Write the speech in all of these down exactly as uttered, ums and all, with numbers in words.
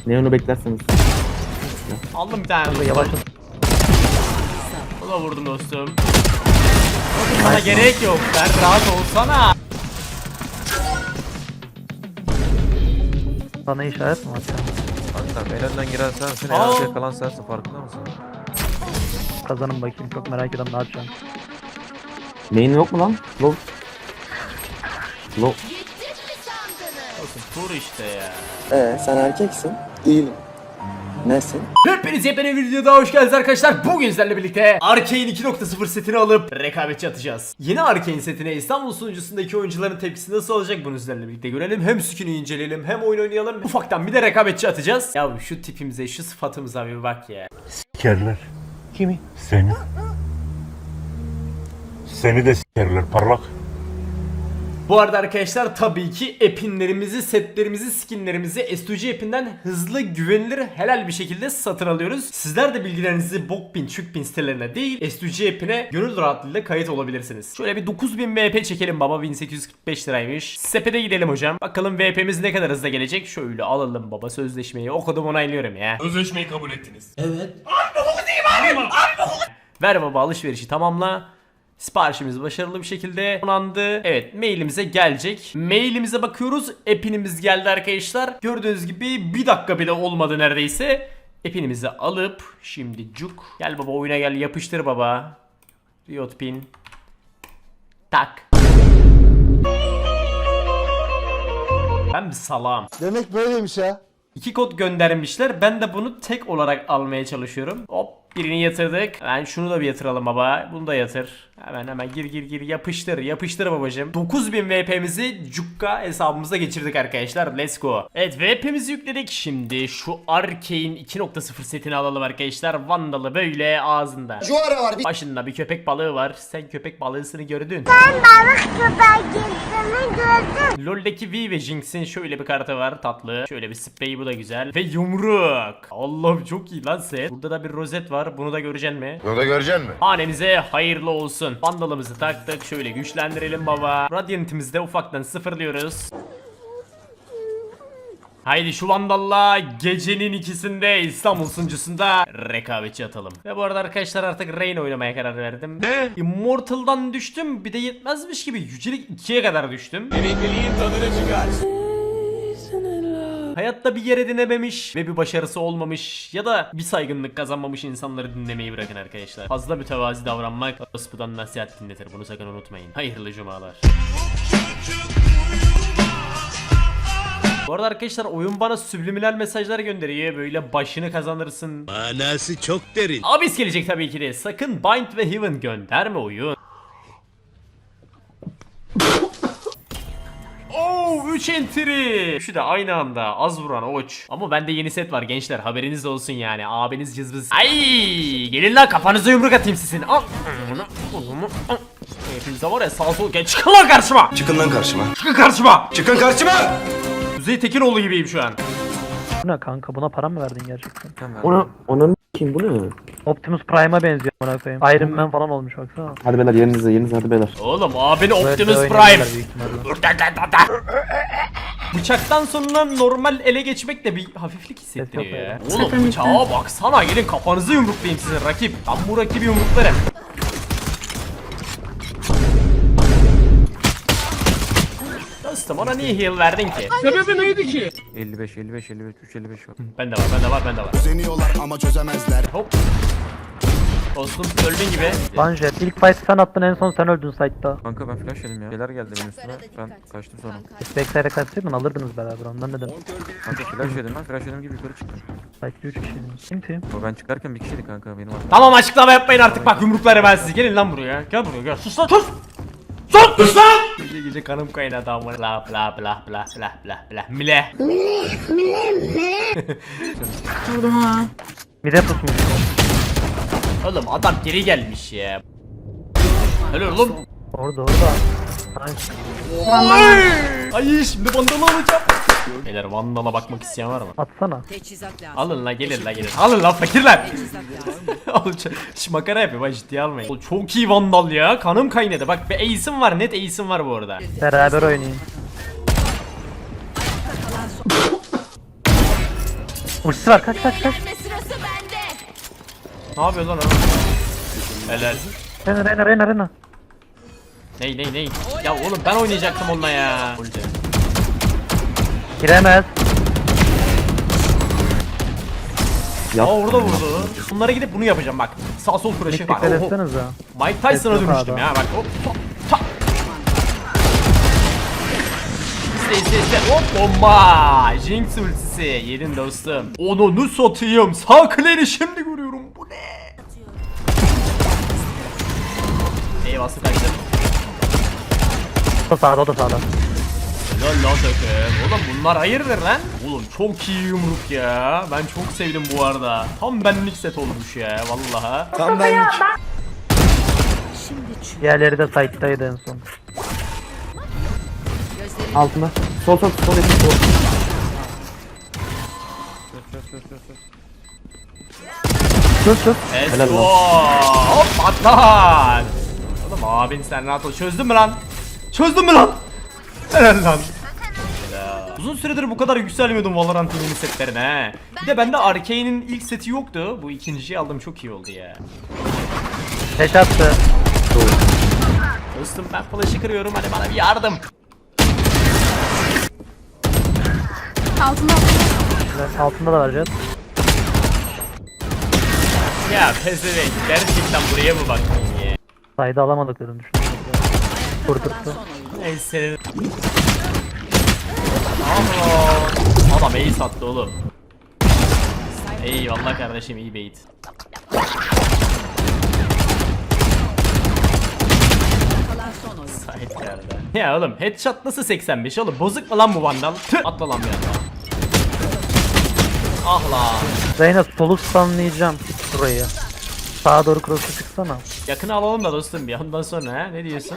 Neon'u beklerseniz. Aldım bir tane. Yavaş. O da vurdum dostum. Bana gerek yok. Ben rahat olsana. Bana işaret mi atıyor? Kanka elenden girersen sen en Aa. arkaya kalan sensin, farkında mısın? Kazanın bakayım, çok merak ediyorum ne yapacağım. Main yok mu lan? Low. Low. Olsun tur işte ya. Ee, sen erkeksin. Değilim. Nesin? Hepiniz yepyeni bir videoda hoş geldiniz arkadaşlar. Bugün sizlerle birlikte Arcane iki nokta sıfır setini alıp rekabetçi atacağız. Yeni Arcane setine İstanbul sunucusundaki oyuncuların tepkisi nasıl olacak bunu sizlerle birlikte görelim. Hem skin'i inceleyelim hem oyun oynayalım. Ufaktan bir de rekabetçi atacağız. Ya şu tipimize, şu sıfatımıza bir bak ya. Sikerler. Kimi? Seni. Seni de sikerler parlak. Bu arada arkadaşlar tabii ki epinlerimizi, setlerimizi, skinlerimizi S iki G epinden hızlı, güvenilir, helal bir şekilde satın alıyoruz. Sizler de bilgilerinizi Bokpin, Çükpin sitelerine değil S iki G epine gönül rahatlığıyla kayıt olabilirsiniz. Şöyle bir dokuz bin V P çekelim baba, bin sekiz yüz kırk beş liraymış. Sepete gidelim hocam. Bakalım V P'miz ne kadar hızlı gelecek. Şöyle alalım baba sözleşmeyi. Okudum, onaylıyorum ya. Sözleşmeyi kabul ettiniz. Ver baba, alışverişi tamamla. Siparişimiz başarılı bir şekilde onandı. Evet, mailimize gelecek. Mailimize bakıyoruz. Epinimiz geldi arkadaşlar. Gördüğünüz gibi bir dakika bile olmadı neredeyse. Epinimizi alıp şimdi cuk. Gel baba, oyuna gel, yapıştır baba. Riot pin. Tak. Ben bir salağım. Demek böyleymiş ha. İki kod göndermişler. Ben de bunu tek olarak almaya çalışıyorum. Hop, birini yatırdık. Hemen şunu da bir yatıralım baba. Bunu da yatır. Hemen hemen gir gir gir yapıştır. Yapıştır babacım. dokuz bin V P'mizi Cukka hesabımıza geçirdik arkadaşlar. Let's go. Evet, V P'mizi yükledik. Şimdi şu Arcane iki nokta sıfır setini alalım arkadaşlar. Vandalı böyle ağzında. Juara var. Başında bir köpek balığı var. Sen köpek balığısını gördün. Balık köpeğini gördüm. LoL'deki V ve Jinx'in şöyle bir kartı var, tatlı. Şöyle bir spreyi, bu da güzel. Ve yumruk. Allah'ım çok iyi lan set. Burada da bir rozet var. Bunu da göreceksin mi? Bunu da göreceksin mi? Hanenize hayırlı olsun. Vandalımızı taktık. Şöyle güçlendirelim baba. Radiant'imizi de ufaktan sıfırlıyoruz. Haydi şu Vandal'la gecenin ikisinde İstanbul sunucusunda rekabetçi atalım. Ve bu arada arkadaşlar artık Reyna oynamaya karar verdim. Ne? Immortal'dan düştüm. Bir de yetmezmiş gibi yücelik ikiye kadar düştüm. Emekliliğin tadını çıkar. Hayatta bir yer edinememiş ve bir başarısı olmamış ya da bir saygınlık kazanmamış insanları dinlemeyi bırakın arkadaşlar. Fazla mütevazi davranmak orospudan nasihat dinletir. Bunu sakın unutmayın. Hayırlı cumalar. Bu arada arkadaşlar oyun bana subliminal mesajlar gönderiyor. Böyle başını kazanırsın. Manası çok derin. Abis gelecek tabii ki de. Sakın Bind ve Heaven gönderme oyun. Oh, üç entry. Şu da aynı anda az vuran oç. Ama bende yeni set var gençler, haberiniz olsun yani. Abiniz cızbız. Ay, gelin lan kafanıza yumruk atayım sizin. Al. Hepinize var ya, sağ sol geç. Çıkın lan karşıma. Çıkın lan karşıma. Çıkın karşıma. Çıkın karşıma. Kuzey Tekinoğlu gibiyim şu an. Bu ne kanka, buna para mı verdin gerçekten? Ona, ona kim bu ne? Optimus Prime'a benziyor buna koyayım. Iron Man falan olmuş baksana. Hadi beyler, yerinize yerinize hadi beyler. Oğlum abini Optimus Böyle Prime. oynayanlar büyük ihtimalle. Bıçaktan sonra normal ele geçmek de bir hafiflik hissettiriyor ya. Oğlum bıçağa baksana, gelin kafanızı yumruklayayım sizin rakip. Ben bu rakibi yumruklarım. Dostum, ona niye heal verdin ki? elli beş elli beş elli beş üç elli beş var. Bende var, bende var, bende var. Deniyorlar ama çözemezler. Hop. Dostum öldün gibi. Lan Jet, ilk fight sen attın, en son sen öldün site'da. Kanka ben flash yedim ya. Şeyler geldi benim üstüme. Ben kaçtım sonra. Backside kaçsaydın alırdınız beraber, ondan dedim. Kanka flash yedim ben. Flash yedim gibi yukarı çıktım. Site'de üç kişiydiniz. Kim team? O ben çıkarken bir kişiydi kanka benim arkadaşım. Tamam, açıklama yapmayın artık, bak yumrukları ben sizi. Gelin lan buraya. Gel buraya gel. Sus lan, sus. Sus! Sus lan! Gece gece kanım kaynadı ama. Bla bla bla bla bla bla bla. Mile. Bir de pusmuş. Oğlum adam geri gelmiş ya. Helal oğlum. Orada orada. Nice. Ay, ay şimdi vandalı alacağım. Beyler, vandala bakmak isteyen var mı? Atsana. Alın la, gelin la, gelin. Alın la fakirler. Oğlum şu makara yapıyor, bak ciddiye almayın. Oğlum, çok iyi vandal ya, kanım kaynadı. Bak bir ace'im var, net ace'im var bu arada. Beraber oynayın. Ultisi var, kaç kaç kaç. Ne yapıyor lan o? Helal. Rena Rena Rena Rena. Ney ney ney? Ya oğlum ben oynayacaktım onunla ya. Ulti. Giremez. Yap. Aa orada vurdu. Bunlara gidip bunu yapacağım bak. Sağ sol flash'ı var. Dikkat Oho. etsenize. Mike Tyson'a Tekrar dönüştüm abi. ya bak. Hop ta ta. İste iste iste. Hop bomba. Jinx ultisi. Yedin dostum. Onu satayım. Sağ kleri şimdi görüyorum. Bu ne? Eyvah kaçtım. O da sağda, o da sağda. Lan lan takım. Oğlum bunlar hayırdır lan? Oğlum çok iyi yumruk ya. Ben çok sevdim bu arada. Tam benlik set olmuş ya vallaha. Tam benlik. Diğerleri de site'daydı en son. Altında. Sol sol sol yakın sol. Sus sus. Helal Eso. lan. Hop patlat. Oğlum abin sen rahat ol. Çözdün mü lan? Çözdün mü lan? Helal lan. Helal. Uzun süredir bu kadar yükselmiyordum Valorant'ın yeni setlerine he. Bir de bende Arcane'in ilk seti yoktu. Bu ikinciyi aldım çok iyi oldu ya. Teş attı. Dostum ben flash'ı kırıyorum hadi bana bir yardım. Altında Altında da var Jet. Ya pezevenk gerçekten buraya mı baktın ya? Sayda alamadıklarını düşünüyorum. Kurdurttu. Neyse. Allah. Adam iyi sattı oğlum. Eyvallah kardeşim iyi bait. Sahip yerde. Ya oğlum headshot nasıl seksen beş oğlum bozuk mu lan bu vandal? Tüh, atla lan bir anda. Ah lan. Reyna solu stunlayacağım burayı. Sağa doğru cross'u çıksana. Yakını alalım da dostum bir ondan sonra ha ne diyorsun?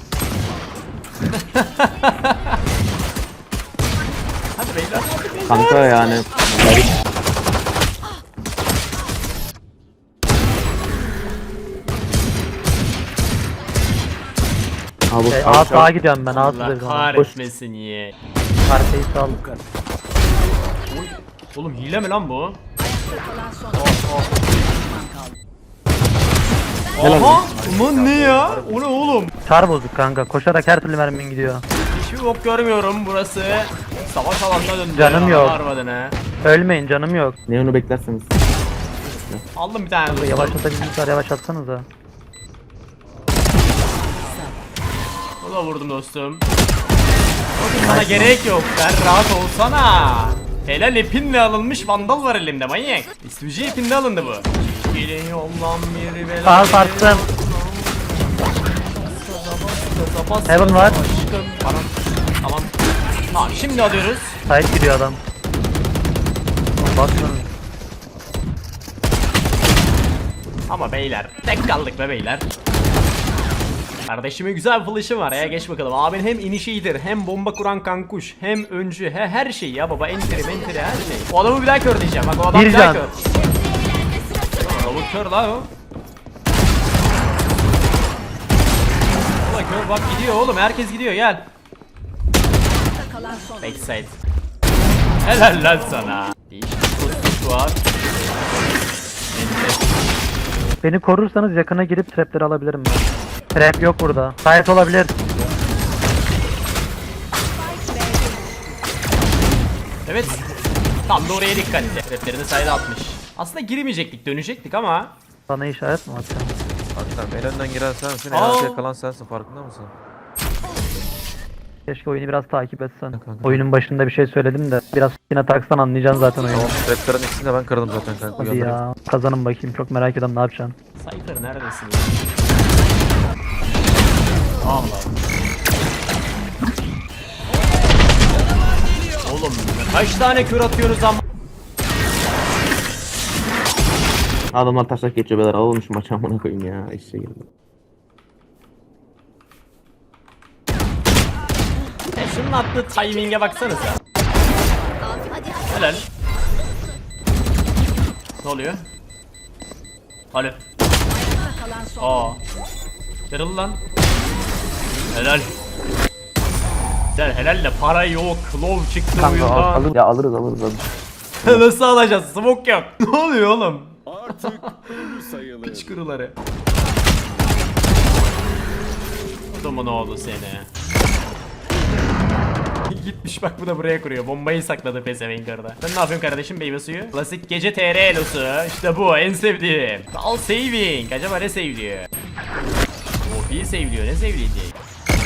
Hadi beyler hadi beyler. Kanka yani. Abi Şey, A sağa gidiyorum ben. A Allah sağa kahretmesin ye. Arkayı sağ. Oğlum hile mi lan bu? Helal Aha! Ulan ne ya? O ne oğlum? Çar bozuk kanka. Koşarak her türlü mermin gidiyor. Hiçbir bok görmüyorum burası. Savaş alanına döndü. Canım ya, yok. harbadene. Ölmeyin, canım yok. Neon'u beklerseniz. Aldım bir tane dostum. Yavaşlatabildiğinizler yavaşlatsanız da. O da vurdum dostum. Dostum sana gerek yok. Sen rahat olsana. Helal ipinle alınmış vandal var elimde manyak. İstücü ipinde alındı bu. Gelin yoldan bir bela. Sağ sarttım. Heaven var. Tamam. Tamam. Tamam şimdi alıyoruz. Sahip gidiyor adam. Baksana. Ama beyler tek kaldık be beyler. Kardeşimin güzel bir flash'ı var ya geç bakalım. Abin hem initiator hem bomba kuran kankuş hem öncü he her şey ya baba entry mentry her şey. O adamı bir daha kör diyeceğim bak o adam Bir bir daha can. kör. Lavuk kör la o. Ulan kör bak gidiyor oğlum herkes gidiyor gel. Backside. Helal lan sana. Değişik bir kutu var. Enter. Beni korursanız yakına girip trapleri alabilirim ben. Trap yok burada. Sahip olabilir. Evet. Tam da oraya dikkatli. Traplerini sayda atmış. Aslında girmeyecektik, dönecektik ama. Sana işaret mi atacağım? Hatta en önden giren sensin, en Aa. arkaya kalan sensin, farkında mısın? Keşke oyunu biraz takip etsen. kanka. Oyunun başında bir şey söyledim de biraz yine taksan anlayacaksın zaten oyunu. Tamam, traplerin ikisini de ben kırdım zaten kanka. Hadi Uyandırayım. ya. Kazanın bakayım. Çok merak ediyorum ne yapacaksın. Cypher neredesin ya? Allah. Oğlum kaç tane kür atıyoruz ama? Adamlar taşak geçiyor beyler. Alalım şu maçı amına koyayım ya. İşe girdi. E şunun attığı timing'e baksanıza. Helal. Ne oluyor? Alo. Aa. Kırıl lan. Helal. Güzel helal de para yok. Low çıktı Kanka oyundan. al- alır, ya alırız alırız alırız. Nasıl alacağız? Smoke yok. Ne oluyor oğlum? Artık ölü sayılır. Piç kuruları. Adamı ne oldu seni? Gitmiş bak bu da buraya kuruyor. Bombayı sakladı pezevenk orada. Sen ne yapıyorsun kardeşim meyve suyu? Klasik gece T R elosu. İşte bu en sevdiğim. Call saving. Acaba ne seviliyor? O P'yi seviliyor. Ne sevileyecek?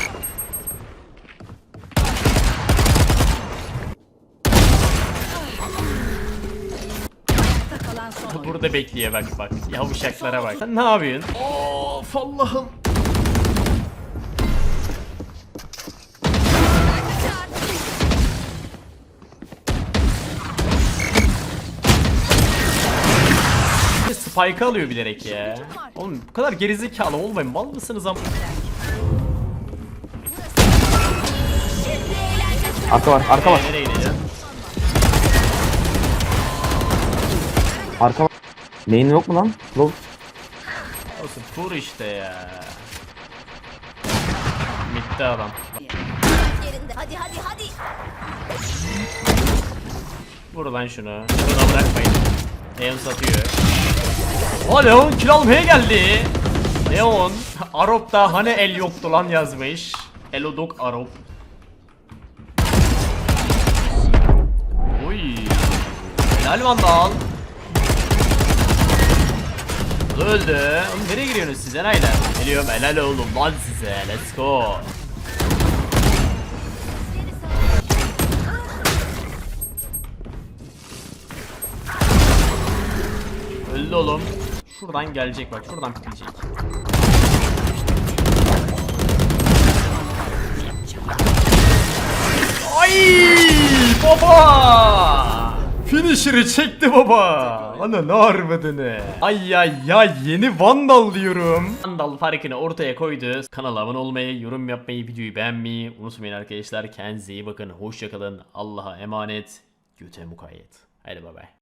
Burada bekliyor bak bak. Yavuşaklara bak. Sen ne yapıyorsun? Of Allah'ım. Spike alıyor bilerek ya. Oğlum bu kadar gerizekalı olmayın. Mal mısınız am? Arka var, arka var, Ee, nereye gideceğim? arka var. Neyin yok mu lan? Low. Olsun tur işte ya. Bitti adam. Hadi hadi hadi. Vur lan şunu. Şuna bırakmayın. Leon satıyor. O Leon kill almaya geldi. Leon. Arop'ta hani el yoktu lan yazmış. Elodok Arop. Oy. Helal Vandal. Öldü. Oğlum nereye giriyorsunuz siz enaylar? Geliyorum helal oğlum lan size. Let's go. Öldü oğlum. Şuradan gelecek bak. Şuradan pikleyecek. Ay baba! Finisher'ı çekti baba. Ana ne harbadını. Ay ay ay yeni Vandal diyorum. Vandal farkını ortaya koydu. Kanala abone olmayı, yorum yapmayı, videoyu beğenmeyi unutmayın arkadaşlar. Kendinize iyi bakın. Hoşça kalın. Allah'a emanet. Göte mukayyet. Haydi bay bay.